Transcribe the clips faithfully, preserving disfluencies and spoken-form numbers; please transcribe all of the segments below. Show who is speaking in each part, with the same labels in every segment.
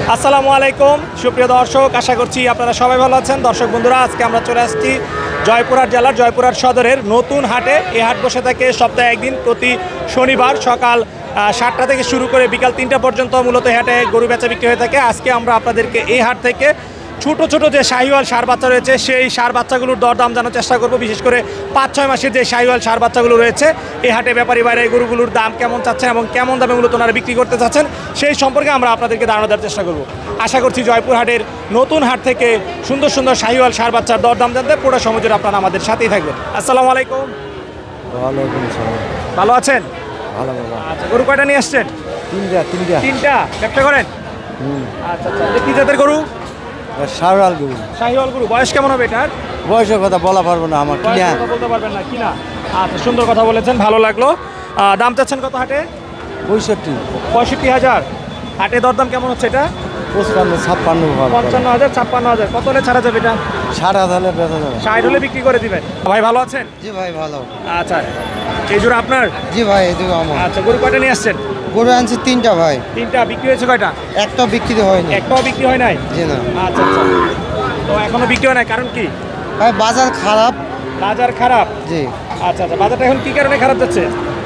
Speaker 1: আসসালামু আলাইকুম সুপ্রিয় দর্শক, আশা করছি আপনারা সবাই ভালো আছেন। দর্শক বন্ধুরা, আজকে আমরা চলে আসছি জয়পুরহাট জেলার জয়পুরহাট সদরের নতুন হাটে। এই হাট বসে থাকে সপ্তাহে একদিন, প্রতি শনিবার সকাল সাতটা থেকে শুরু করে বিকাল তিনটা পর্যন্ত মূলত হাটে গরু বেচা বিক্রি হয়ে থাকে। আজকে আমরা আপনাদেরকে এই হাট থেকে ছোট ছোট যে শাহিওয়াল ষাঁড় বাচ্চা রয়েছে সেই ষাঁড় বাচ্চাগুলোর দরদাম জানার চেষ্টা করব। বিশেষ করে পাঁচ ছয় মাসের যে শাহিওয়াল ষাঁড় বাচ্চাগুলো রয়েছে, এই হাটে ব্যাপারী বাইরে এই গরুগুলোর দাম কেমন চাচ্ছেন এবং কেমন দামে মূলত ওনারা বিক্রি করতে চাচ্ছেন সেই সম্পর্কে আমরা আপনাদেরকে ধারণা দেওয়ার চেষ্টা করব। আশা করছি জয়পুর হাটের নতুন হাট থেকে সুন্দর সুন্দর শাহিওয়াল ষাঁড় বাচ্চার দরদাম জানতে পুরো সময় জুড়ে আপনারা আমাদের সাথেই থাকবেন। আসসালামু আলাইকুম।
Speaker 2: ওয়ালাইকুম সালাম।
Speaker 1: ভালো আছেন?
Speaker 2: ভালো বাবা।
Speaker 1: আচ্ছা, গরু কয়টা নিয়ে আসছেন?
Speaker 2: তিনটা তিনটা
Speaker 1: তিনটা ব্যবসা করেন?
Speaker 2: হুম।
Speaker 1: আচ্ছা আচ্ছা, এটা কি জাতের গরু?
Speaker 2: শাহরাল গরু।
Speaker 1: শাহিওয়াল গরু। বয়স কেমন হবে এটার?
Speaker 2: বয়সের কথা বলা পারবো না, আমার কিনা।
Speaker 1: বয়সের কথা বলতে পারবেন না কিনা? আচ্ছা, সুন্দর কথা বলেছেন, ভালো লাগলো। আহ, দাম চাচ্ছেন কত হাটে?
Speaker 2: পঁয়ষট্টি
Speaker 1: পঁয়ষট্টি হাজার। হাটে দরদাম কেমন হচ্ছে এটা?
Speaker 2: পঁচপান্ন ছাপ্পান্ন
Speaker 1: পঞ্চান্ন হাজার ছাপ্পান্ন হাজার। কত হলে ছাড়া যাবে এটা?
Speaker 2: ষাট হাজারে বেচা যাবে।
Speaker 1: ষাট হলে বিক্রি করে দিবেন। ভাই ভালো আছেন?
Speaker 2: জি ভাই ভালো।
Speaker 1: আচ্ছা, এই জোড়া আপনার?
Speaker 2: জি ভাই এদিকে আমার
Speaker 1: আচ্ছা, গরু কয়টা নিয়ে আসছেন?
Speaker 2: গরু আনছি তিনটা ভাই।
Speaker 1: তিনটা। বিক্রি হয়েছে কয়টা?
Speaker 2: একটা বিক্রি হয়নি।
Speaker 1: একটাও বিক্রি হয় নাই?
Speaker 2: জি না
Speaker 1: আচ্ছা আচ্ছা, তো এখনো বিক্রি হয় নাই, কারণ কি?
Speaker 2: ভাই বাজার খারাপ।
Speaker 1: বাজার খারাপ?
Speaker 2: জি।
Speaker 1: আচ্ছা আচ্ছা, বাজারটা এখন কি কারণে খারাপ যাচ্ছে?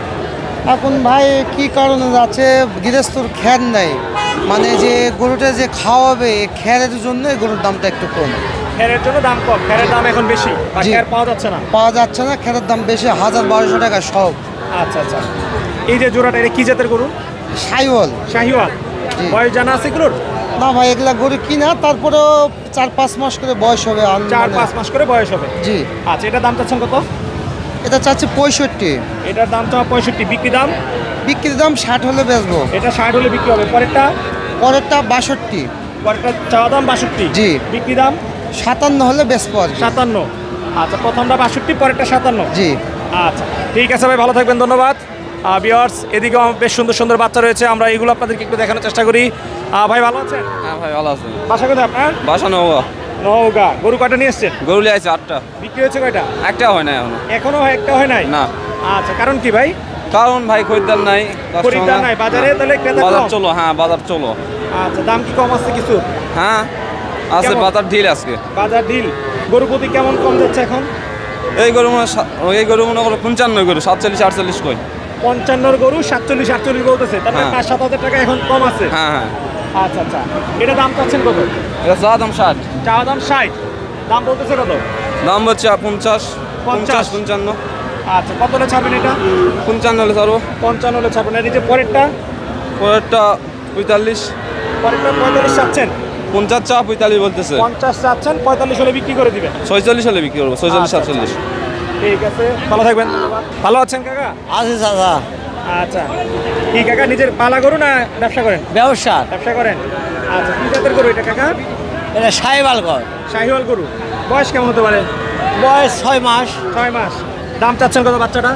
Speaker 2: এখন ভাই কি কারণে যাচ্ছে, গৃহস্থর খ্যার নাই, মানে যে গরুটা যে খাওয়াবে খ্যারের জন্য গরুর দামটা একটু কম।
Speaker 1: খেরের জন্য দাম কম, খেরের দাম এখন বেশি বা
Speaker 2: জি।
Speaker 1: খের পাওয়া যাচ্ছে না?
Speaker 2: পাওয়া যাচ্ছে না, খ্যারের দাম বেশি, হাজার বারোশো টাকা সব।
Speaker 1: আচ্ছা আচ্ছা, এই যে জোড়াটা, এটা কি জাতের গরু?
Speaker 2: সাইওয়াল।
Speaker 1: শাহিওয়াল।
Speaker 2: জি।
Speaker 1: বয়স জানা আছে এগুলোর?
Speaker 2: না ভাই এগুলা গরু কিনা, তারপরেও চার পাঁচ মাস করে বয়স হবে। আন-
Speaker 1: চার
Speaker 2: মানে-
Speaker 1: পাঁচ মাস করে বয়স হবে।
Speaker 2: জি।
Speaker 1: আচ্ছা, এটার দাম চাচ্ছেন কত?
Speaker 2: এটা চাচ্ছে পঁয়ষট্টি।
Speaker 1: এটার দাম চাওয়া পঁয়ষট্টি, বিক্রি দাম?
Speaker 2: বিক্রির দাম ষাট হলে বেচবো।
Speaker 1: এটা ষাট হলে বিক্রি হবে। পরেরটা?
Speaker 2: পরেরটা বাষট্টি।
Speaker 1: পরেরটা চাওয়া দাম বাষট্টি?
Speaker 2: জি।
Speaker 1: বিক্রি দাম?
Speaker 2: সাতান্ন হলে বেচবো আর কি।
Speaker 1: সাতান্ন। আচ্ছা, প্রথমটা বাষট্টি, পরেরটা সাতান্ন?
Speaker 2: জি।
Speaker 1: আচ্ছা ঠিক আছে ভাই, ভালো থাকবেন, ধন্যবাদ। ভিউয়ার্স, এদিকেও বেশ সুন্দর সুন্দর বাচ্চা রয়েছে, আমরা এগুলো আপনাদেরকে একটু দেখানোর চেষ্টা করি। আহ, ভাই ভালো আছেন?
Speaker 3: হ্যাঁ ভাই ভালো আছে।
Speaker 1: বাসা কোথায় আপনার?
Speaker 3: বাসা নেওয়া
Speaker 1: নওগাঁ। গরু কয়টা নিয়ে এসছেন?
Speaker 3: গরু লিয়ে আছে আটটা,
Speaker 1: বিক্রি হয়েছে কয়টা?
Speaker 3: একটা হয় না এখনো।
Speaker 1: এখনো একটা হয় নাই?
Speaker 3: না।
Speaker 1: আচ্ছা, কারণ কি ভাই?
Speaker 3: কারণ ভাই খরিদ্দার নাই, customer
Speaker 1: খরিদ্দার
Speaker 3: না।
Speaker 1: নাই বাজারে, তাহলে ক্রেতা
Speaker 3: বাজার
Speaker 1: কম?
Speaker 3: চলো, হ্যাঁ বাজার চলো।
Speaker 1: আচ্ছা, দাম কি কম আছে কিছু?
Speaker 3: হ্যাঁ আছে,
Speaker 1: কেমন?
Speaker 3: বাজার ঢিল আজকে।
Speaker 1: বাজার ঢিল। গরু প্রতি কেমন কম যাচ্ছে এখন?
Speaker 3: এই গরু মনে হয় সা- এই গরু মনে করো পঞ্চান্ন গরু সাতচল্লিশ আটচল্লিশ কই।
Speaker 1: পঞ্চান্নর গরু সাতচল্লিশ আটচল্লিশ বলতেছে, তার মানে
Speaker 3: হ্যাঁ।
Speaker 1: পাঁচ সাত হাজার টাকা এখন কম আছে।
Speaker 3: হ্যাঁ হ্যাঁ,
Speaker 1: আচ্ছা আচ্ছা, এটা দাম চাচ্ছেন কত?
Speaker 3: এটা চা দাম ষাট,
Speaker 1: চাওয়া দাম ষাট, দাম বলতেছে কত?
Speaker 3: দাম হচ্ছে পঞ্চাশ পঞ্চাশ পঞ্চান্ন।
Speaker 1: আচ্ছা, কত হলে ছাড়বেন এটা?
Speaker 3: পঞ্চান্ন হলে ছাড়বো।
Speaker 1: পঞ্চান্ন হলে ছাড়বেন। আর এই যে পরেরটা?
Speaker 3: পরেরটা পঁয়তাল্লিশ।
Speaker 1: পরেরটা পঁয়তাল্লিশ চাচ্ছেন?
Speaker 3: পঞ্চাশ চা পঁয়তাল্লিশ বলতেছে।
Speaker 1: পঞ্চাশ চাচ্ছেন, পঁয়তাল্লিশ হলে বিক্রি করে দিবেন।
Speaker 3: ছয়চল্লিশ হলে বিক্রি করবো, ছয়চল্লিশ
Speaker 1: আচ্ছা,
Speaker 3: সাতচল্লিশ।
Speaker 1: ঠিক আছে, ভালো থাকবেন। ভালো আছেন কাকা?
Speaker 2: আছে দাদা।
Speaker 1: আচ্ছা, কি কাকা নিজের পালা গরু না ব্যবসা করেন?
Speaker 2: ব্যবসা।
Speaker 1: ব্যবসা করেন। আচ্ছা, কি জাতের গরু এটা কাকা?
Speaker 2: এটা সাইওয়াল গর।
Speaker 1: শাহিওয়াল গরু। বয়স কেমন হতে পারে?
Speaker 2: বয়স ছয় মাস।
Speaker 1: ছয় মাস। দাম চাচ্ছেন কত বাচ্চাটা?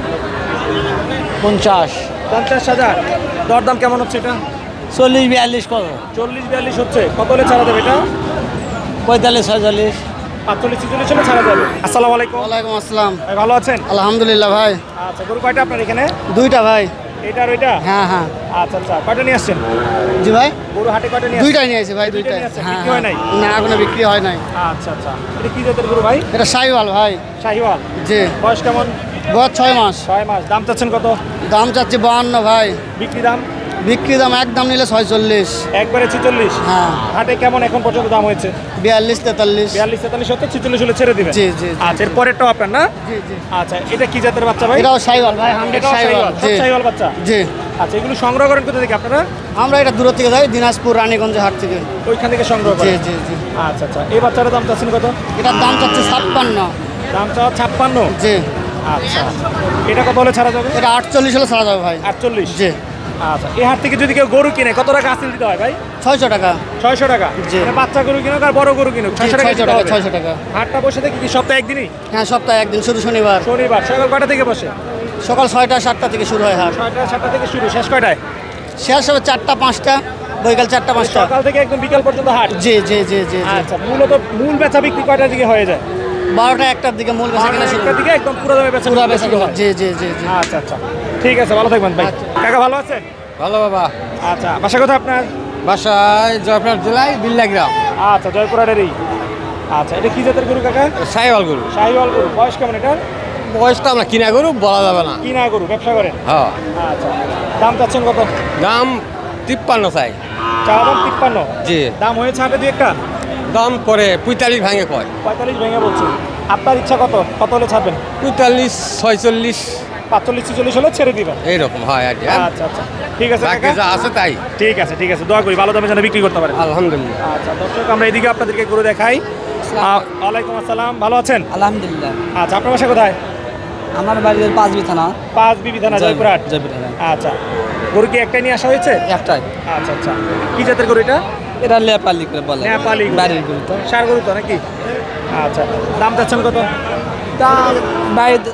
Speaker 2: পঞ্চাশ।
Speaker 1: পঞ্চাশ হাজার। দরদাম কেমন হচ্ছে এটা?
Speaker 2: চল্লিশ বিয়াল্লিশ কত?
Speaker 1: চল্লিশ বিয়াল্লিশ হচ্ছে। কত হলে ছাড়া যাবে এটা?
Speaker 2: পঁয়তাল্লিশ ছয়চল্লিশ।
Speaker 1: পাঁচচল্লিশ ছিচল্লিশ হলে ছাড়া যাবে। আসসালামু আলাইকুম।
Speaker 2: ওয়ালাইকুম আসসালাম।
Speaker 1: ভাই ভালো আছেন?
Speaker 2: আলহামদুলিল্লাহ ভাই।
Speaker 1: আচ্ছা, গরু কয়টা আপনার এখানে?
Speaker 2: দুইটা ভাই।
Speaker 1: এটা আর ওইটা?
Speaker 2: হ্যাঁ হ্যাঁ।
Speaker 1: আচ্ছা আচ্ছা, কয়টা নিয়ে আসছেন?
Speaker 2: জি ভাই।
Speaker 1: গরু হাটে কয়টা নিয়ে আসছেন?
Speaker 2: দুইটাই নিয়েছি ভাই,
Speaker 1: দুইটাই
Speaker 2: দুইটাই।
Speaker 1: নিয়ে আসছেন,
Speaker 2: হ্যাঁ
Speaker 1: বিক্রি হয় নাই?
Speaker 2: না এখনো বিক্রি হয় নাই।
Speaker 1: আচ্ছা আচ্ছা, এটা কি জাতের গরু ভাই?
Speaker 2: এটা সাইওয়াল ভাই।
Speaker 1: শাহিওয়াল।
Speaker 2: জি।
Speaker 1: বয়স কেমন?
Speaker 2: বয়স ছয় মাস।
Speaker 1: ছয় মাস। দাম চাচ্ছেন কত?
Speaker 2: দাম চাচ্ছি বাহান্ন ভাই।
Speaker 1: বিক্রি দাম?
Speaker 2: বিক্রি দাম একদম নিলে ছয়চল্লিশ।
Speaker 1: একবারে ছিচল্লিশ?
Speaker 2: হ্যাঁ।
Speaker 1: হাটে কেমন এখন পর্যন্ত দাম হয়েছে?
Speaker 2: বিয়াল্লিশ তেতাল্লিশ।
Speaker 1: বিয়াল্লিশ তেতাল্লিশ হচ্ছে, ছিচল্লিশ হলে ছেড়ে দিবেন?
Speaker 2: জি, জি, জি।
Speaker 1: আচ্ছা, এর পরেরটাও আপনার না?
Speaker 2: জি জি।
Speaker 1: আচ্ছা, এটা কি জাতের বাচ্চা ভাই?
Speaker 2: এটাও সাইওয়াল ভাই, হান্ড্রেড
Speaker 1: এটাও
Speaker 2: সাইওয়াল।
Speaker 1: শাহিওয়াল, সব
Speaker 2: জি
Speaker 1: শাহিওয়াল বাচ্চা?
Speaker 2: জি।
Speaker 1: আচ্ছা, এগুলো সংগ্রহ করেন কোথা থেকে আপনারা?
Speaker 2: আমরা এটা দূর থেকে যাই, দিনাজপুর রানীগঞ্জ হাট থেকে।
Speaker 1: ওইখান থেকে সংগ্রহ
Speaker 2: জি
Speaker 1: করেন?
Speaker 2: জি জি।
Speaker 1: আচ্ছা আচ্ছা, এই বাচ্চাটার দাম চাচ্ছেন কত?
Speaker 2: এটার দাম চাচ্ছে ছাপ্পান্ন।
Speaker 1: দাম চাওয়া ছাপ্পান্ন?
Speaker 2: জি।
Speaker 1: আচ্ছা, এটা কত হলে ছাড়া যাবে?
Speaker 2: এটা আটচল্লিশ হলে ছাড়া যাবে ভাই।
Speaker 1: আটচল্লিশ?
Speaker 2: জি।
Speaker 1: আচ্ছা, এই হাট থেকে যদি কেউ গরু কিনে কত টাকা হাসিল দিতে হয় ভাই?
Speaker 2: ছয়শো টাকা।
Speaker 1: ছয়শো টাকা?
Speaker 2: জি।
Speaker 1: মানে বাচ্চা গরু কিনুক আর বড় গরু কিনুক ছয়শো টাকা
Speaker 2: ছয়শো
Speaker 1: দিতে
Speaker 2: টাকা
Speaker 1: হবে?
Speaker 2: ছয়শো টাকা।
Speaker 1: হাটটা বসে থেকে কি সপ্তাহে একদিনই?
Speaker 2: হ্যাঁ সপ্তাহে একদিন, শুধু শনিবার।
Speaker 1: শনিবার। সকাল কয়টা থেকে বসে?
Speaker 2: সকাল ছয়টা সাতটা থেকে শুরু হয় হাট।
Speaker 1: ছয়টা সাতটা থেকে শুরু, শেষ কয়টায়?
Speaker 2: শেষ হবে চারটা পাঁচটা, বৈকাল চারটা পাঁচটা।
Speaker 1: সকাল থেকে একদম বিকাল পর্যন্ত হাট?
Speaker 2: জি জি জি জি জি।
Speaker 1: আচ্ছা, মূলত মূল বেচা বিক্রি কয়টার দিকে হয়ে যায়?
Speaker 2: বারোটা একটার দিকে মূল বেচা কেনা শুরু।
Speaker 1: একটার দিকে একদম পুরো দামে বেচা
Speaker 2: পুরা
Speaker 1: বিক্রি
Speaker 2: বেচা
Speaker 1: শুরু হয়?
Speaker 2: জি জি জি জি।
Speaker 1: আচ্ছা আচ্ছা, ঠিক আছে, ভালো থাকবেন ভাই। কাকা ভালো আছেন?
Speaker 2: ভালো বাবা।
Speaker 1: আচ্ছা, বাসা কোথায় আপনার?
Speaker 4: বাসায় জয়পুরহাট জেলায় বিল্লা গ্রাম
Speaker 1: আচ্ছা জয়পুরহাটেরই। আচ্ছা এটা কি জাতের গরু কাকা?
Speaker 4: সাইওয়াল গরু।
Speaker 1: শাহিওয়াল গরু। বয়স কেমন এটার?
Speaker 4: বয়সটা আমরা কিনা গরু বলা যাবে না।
Speaker 1: কিনা গরু, ব্যবসা করেন?
Speaker 4: হ্যাঁ।
Speaker 1: আচ্ছা দাম চাচ্ছেন কত?
Speaker 4: দাম তিপ্পান্ন চাই।
Speaker 1: চাওয়া দাম তিপ্পান্ন?
Speaker 4: জি।
Speaker 1: দাম হয়েছে হাটে দুই একটা?
Speaker 4: দাম করে পঁয়তাল্লিশ ভাঙে কয়।
Speaker 1: পঁয়তাল্লিশ ভেঙে বলছি। আপনার ইচ্ছা কত? কত হলে ছাড়বেন?
Speaker 4: পঁয়তাল্লিশ ছয়চল্লিশ
Speaker 1: পাঁচচল্লিশ ছিচল্লিশ হলে ছেড়ে দিবেন?
Speaker 4: এইরকম হয় আর কি।
Speaker 1: আচ্ছা আচ্ছা ঠিক আছে
Speaker 4: বাকি
Speaker 1: কাকা।
Speaker 4: যা আছে তাই।
Speaker 1: ঠিক আছে ঠিক আছে, দোয়া করি ভালো দামে যেন বিক্রি করতে পারেন।
Speaker 4: আলহামদুলিল্লাহ।
Speaker 1: আচ্ছা দর্শক আমরা এদিকে আপনাদেরকে গরু দেখাই। আহ, ওয়ালাইকুম আসসালাম, ভালো আছেন?
Speaker 5: আলহামদুলিল্লাহ।
Speaker 1: আচ্ছা আপনার বাসা কোথায়?
Speaker 5: আমার বাড়ির পাঁচ বিছানা
Speaker 1: পাঁচ বিবি থানা জয়পুরহাট।
Speaker 5: জয়পুরহাট
Speaker 1: আচ্ছা গরু কি একটাই নিয়ে আসা হয়েছে?
Speaker 5: একটাই।
Speaker 1: আচ্ছা আচ্ছা কি জাতের গরু এটা?
Speaker 5: এটা নেপালি করে বলে।
Speaker 1: নেপালি গরু।
Speaker 5: বাড়ির গরু তো।
Speaker 1: ষাঁড় গরু তো নাকি? আচ্ছা দাম চাচ্ছেন কত?
Speaker 5: দাম বাড়িতে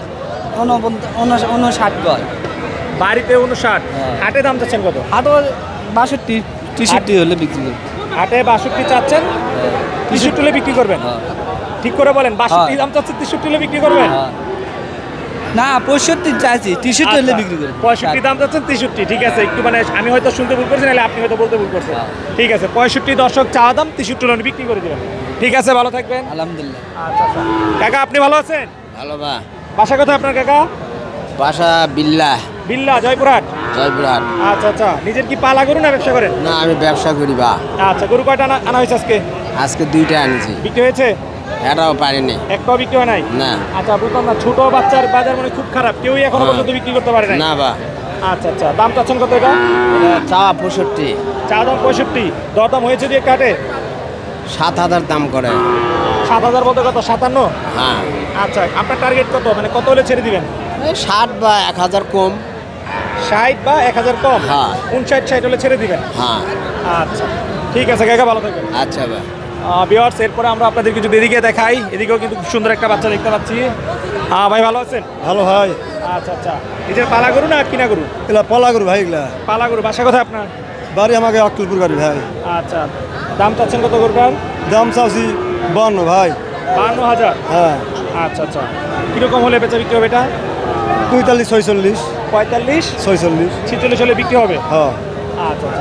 Speaker 5: উনষাট গজ।
Speaker 1: বাড়িতে উনষাট,
Speaker 5: হ্যাঁ।
Speaker 1: হাটে দাম চাচ্ছেন কত?
Speaker 5: আরও বাষট্টি তেষট্টি হলে বিক্রি করি।
Speaker 1: হাটে বাষট্টি চাচ্ছেন, তেষট্টি হলে বিক্রি করবেন?
Speaker 5: হ্যাঁ।
Speaker 1: ঠিক করে বলেন, বাষট্টি
Speaker 5: হ্যাঁ।
Speaker 1: দাম চাচ্ছেন তেষট্টি হলে বিক্রি করবেন?
Speaker 5: হ্যাঁ। না পঁয়ষট্টি চাইছি, তেষট্টি হলে
Speaker 1: আচ্ছা,
Speaker 5: বিক্রি করি।
Speaker 1: পঁয়ষট্টি দাম চাচ্ছেন তেষট্টি, ঠিক আছে একটু মানে আমি হয়তো শুনতে ভুল করছি, নাহলে আপনি হয়তো বলতে ভুল করছেন।
Speaker 5: হ্যাঁ।
Speaker 1: ঠিক আছে পঁয়ষট্টি দর্শক চাওয়া দাম, তেষট্টি হলে বিক্রি করে দেবেন। ঠিক আছে ভালো থাকবেন।
Speaker 5: আলহামদুলিল্লাহ।
Speaker 1: আচ্ছা আচ্ছা কাকা আপনি ভালো আছেন?
Speaker 4: ভালো বা।
Speaker 1: বাসা কোথায় আপনার কাকা?
Speaker 4: বাসা বিল্লা
Speaker 1: বিল্লা জয়পুরহাট।
Speaker 4: জয়পুরহাট।
Speaker 1: আচ্ছা আচ্ছা নিজের কি পালা গরু না ব্যবসা করেন?
Speaker 4: না আমি ব্যবসা করি বা।
Speaker 1: আচ্ছা গরু কয়টা আনা আনা হয়েছে আজকে?
Speaker 4: আজকে দুইটা আনছি।
Speaker 1: বিক্রি হয়েছে?
Speaker 4: এটাও পারিনি।
Speaker 1: একটাও বিক্রি হয় নাই?
Speaker 4: না।
Speaker 1: আচ্ছা বুঝলাম না, ছোট বাচ্চার বাজার মানে খুব খারাপ, কেউই এখনো
Speaker 4: হ্যাঁ।
Speaker 1: পর্যন্ত বিক্রি করতে পারে নাই।
Speaker 4: না বা।
Speaker 1: আচ্ছা আচ্ছা দাম চাচ্ছেন কত এটা?
Speaker 4: চা পঁয়ষট্টি।
Speaker 1: চা দাম পঁয়ষট্টি, দরদাম হয়েছে দিয়ে কাটে?
Speaker 4: সাত হাজার দাম করে।
Speaker 1: সাত হাজার বলতে কত? সাতান্ন?
Speaker 4: হ্যাঁ।
Speaker 1: আচ্ছা আপনার টার্গেট কত, মানে কত হলে ছেড়ে দিবেন?
Speaker 4: এই ষাট বা এক হাজার কম।
Speaker 1: ষাট বা এক হাজার কম?
Speaker 4: হ্যাঁ।
Speaker 1: উনষাট ষাট হলে ছেড়ে দিবেন?
Speaker 4: হ্যাঁ।
Speaker 1: আচ্ছা ঠিক আছে কাকা ভালো থাকবেন।
Speaker 4: আচ্ছা বা।
Speaker 1: ভিউয়ার্স এরপরে আমরা আপনাদেরকে যদি এদিকে দেখাই, এদিকেও কিন্তু খুব সুন্দর একটা বাচ্চা দেখতে পাচ্ছি। হ্যাঁ ভাই ভালো আছেন?
Speaker 6: ভালো ভাই।
Speaker 1: আচ্ছা আচ্ছা নিজের পালা গরু না কিনা গরু?
Speaker 6: এগুলা পলা গরু ভাই, এগুলা
Speaker 1: পালা গরু। বাসা কোথায় আপনার?
Speaker 6: বাড়ি আমাকে অক্টোপুর বাড়ি ভাই।
Speaker 1: আচ্ছা দাম চাচ্ছেন কত গরুটার?
Speaker 6: দাম চাচ্ছি বান্ন ভাই।
Speaker 1: বান্ন হাজার?
Speaker 6: হ্যাঁ।
Speaker 1: আচ্ছা আচ্ছা কীরকম হলে বেচা বিক্রি হবে এটা?
Speaker 6: পঁয়তাল্লিশ ছয়চল্লিশ।
Speaker 1: পঁয়তাল্লিশ
Speaker 6: ছয়চল্লিশ।
Speaker 1: ছিচল্লিশ হলে বিক্রি হবে?
Speaker 6: হ্যাঁ।
Speaker 1: আচ্ছা আচ্ছা